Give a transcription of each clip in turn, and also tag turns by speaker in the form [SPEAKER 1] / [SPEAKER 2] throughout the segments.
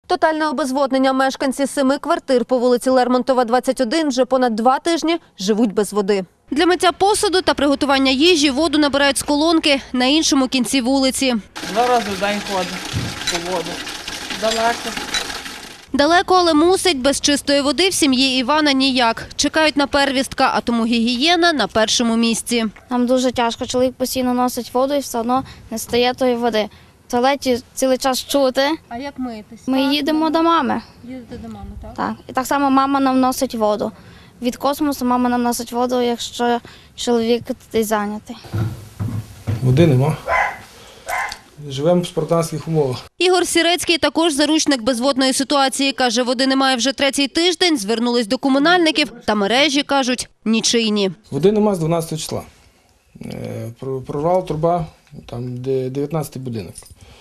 [SPEAKER 1] Тотальне обезводнення. Мешканці 7 квартир по вулиці Лермонтова, 21 вже понад 2 тижні живуть без води. Для миття посуду та приготування їжі воду набирають з колонки на іншому кінці вулиці.
[SPEAKER 2] 2 рази в день ходить по воду. Далеко.
[SPEAKER 1] Далеко, але мусить. Без чистої води в сім'ї Івана ніяк. Чекають на первістка, а тому гігієна на першому місці.
[SPEAKER 3] Нам дуже тяжко. Чоловік постійно носить воду і все одно не стає тої води. В туалеті цілий час чути.
[SPEAKER 1] А як митись?
[SPEAKER 3] Ми їдемо до мами.
[SPEAKER 1] Їдете до мами, так?
[SPEAKER 3] Так. І так само мама нам носить воду. Від космосу мама нам носить воду, якщо чоловік десь зайнятий.
[SPEAKER 4] Води нема. Живемо в спартанських умовах.
[SPEAKER 1] Ігор Сірецький також заручник безводної ситуації. Каже, води немає вже 3-й тиждень, звернулись до комунальників, та мережі, кажуть, нічийні.
[SPEAKER 4] Води нема з 12 числа. Прорвала труба, там де 19-й будинок.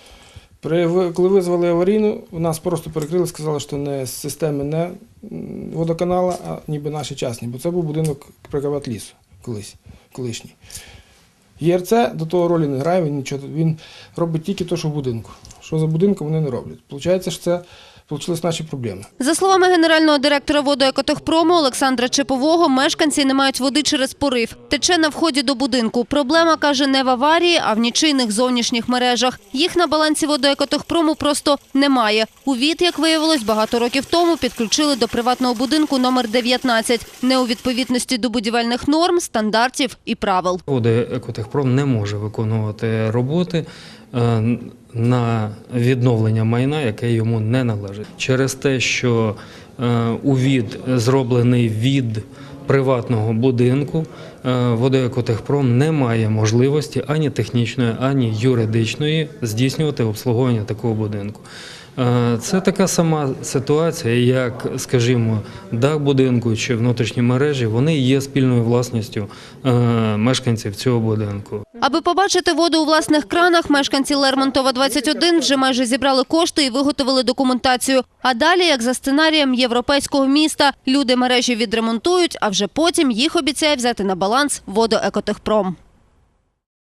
[SPEAKER 4] Коли визвали аварійну, нас просто перекрили, сказали, що не з системи не водоканала, а ніби наші частні. Бо це був будинок Приватлісу колишній. ЄРЦ до того ролі не грає, він робить тільки те, що в будинку. Що за будинком, вони не роблять. Получається, що це почалися наші проблеми.
[SPEAKER 1] За словами генерального директора водоекотехпрому Олександра Чепового, мешканці не мають води через порив. Тече на вході до будинку. Проблема, каже, не в аварії, а в нічийних зовнішніх мережах. Їх на балансі водоекотехпрому просто немає. УВІД, як виявилось, багато років тому підключили до приватного будинку номер 19. Не у відповідності до будівельних норм, стандартів і правил.
[SPEAKER 5] Водоекотехпром не може виконувати роботи на відновлення майна, яке йому не належить. Через те, що УВІД зроблений від приватного будинку, Водоекотехпром не має можливості ані технічної, ані юридичної здійснювати обслуговування такого будинку. Це така сама ситуація, як, скажімо, дах будинку чи внутрішні мережі, вони є спільною власністю мешканців цього будинку.
[SPEAKER 1] Аби побачити воду у власних кранах, мешканці Лермонтова, 21 вже майже зібрали кошти і виготовили документацію. А далі, як за сценарієм європейського міста, люди мережі відремонтують, а вже потім їх обіцяє взяти на баланс Водоекотехпром.